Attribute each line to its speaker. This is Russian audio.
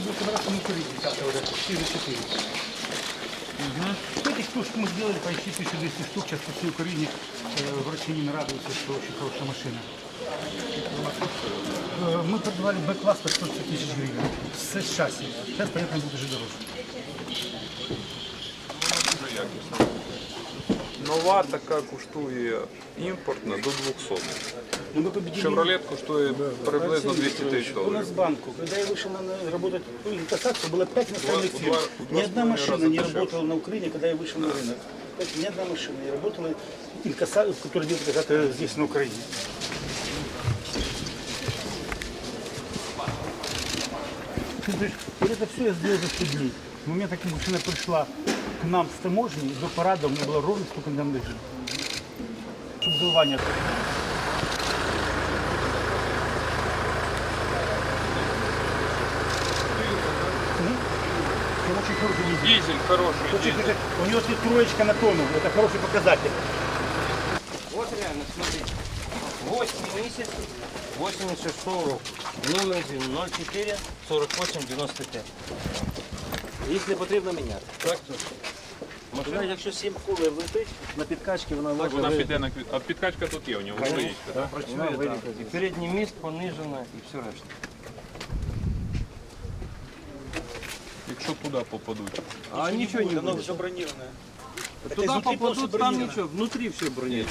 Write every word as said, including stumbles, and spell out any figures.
Speaker 1: будет собраться на курить десятого уже, четыре четыре. Угу. Этих штук мы сделали почти тысячу двести штук, сейчас по всей Украине э, врачи не радуются, что очень хорошая машина. Э, мы продавали Б-класс по сто тысяч гривен с шасси. Сейчас, понятно, будет уже дороже.
Speaker 2: Нова така коштує імпортна до двухсот.
Speaker 1: Но мы победили.
Speaker 2: Шевролет коштує приблизно двести тысяч
Speaker 1: У нас
Speaker 2: долларов.
Speaker 1: в банку, когда я вышел на работать в инкассацию, было пять иностранных
Speaker 2: Два-
Speaker 1: фирм.
Speaker 2: два-
Speaker 1: Ни одна
Speaker 2: два
Speaker 1: машина
Speaker 2: раза
Speaker 1: не
Speaker 2: дешевле.
Speaker 1: работала на Украине, когда я вышел на рынок. Ни одна машина не работала, инкассацию, которая делает когда-то здесь, на Украине. Ты знаешь, вот это все я сделал за сто дней. В момент, как машина пришла к нам с таможни, до парада у меня было ровно столько дней лежит. Чтобы голова не открыла. Он очень хороший дизель.
Speaker 2: Дизель хороший.
Speaker 1: Очень
Speaker 2: Дизель.
Speaker 1: хороший. У него тут троечка на тонну, это хороший показатель.
Speaker 3: Вот реально, смотрите. восьмой месяц восемьдесят шестого року. Номер ноль четыре сорок восемь девяносто пять. Якщо потрібно міняти.
Speaker 2: Так,
Speaker 3: Машина, якщо сім кулер летить, на підкачці вона
Speaker 2: так,
Speaker 3: може
Speaker 2: вона
Speaker 3: ви-
Speaker 2: піде на квіт. А підкачка тут є у нього, стоїть, так?
Speaker 3: вона вилітає. І передній міст понижено і все решта.
Speaker 2: Якщо туди попадуть.
Speaker 3: А нічого не буде.
Speaker 1: все бронированное.
Speaker 3: Туди попадуть, там нічого, внутрі все бронюється.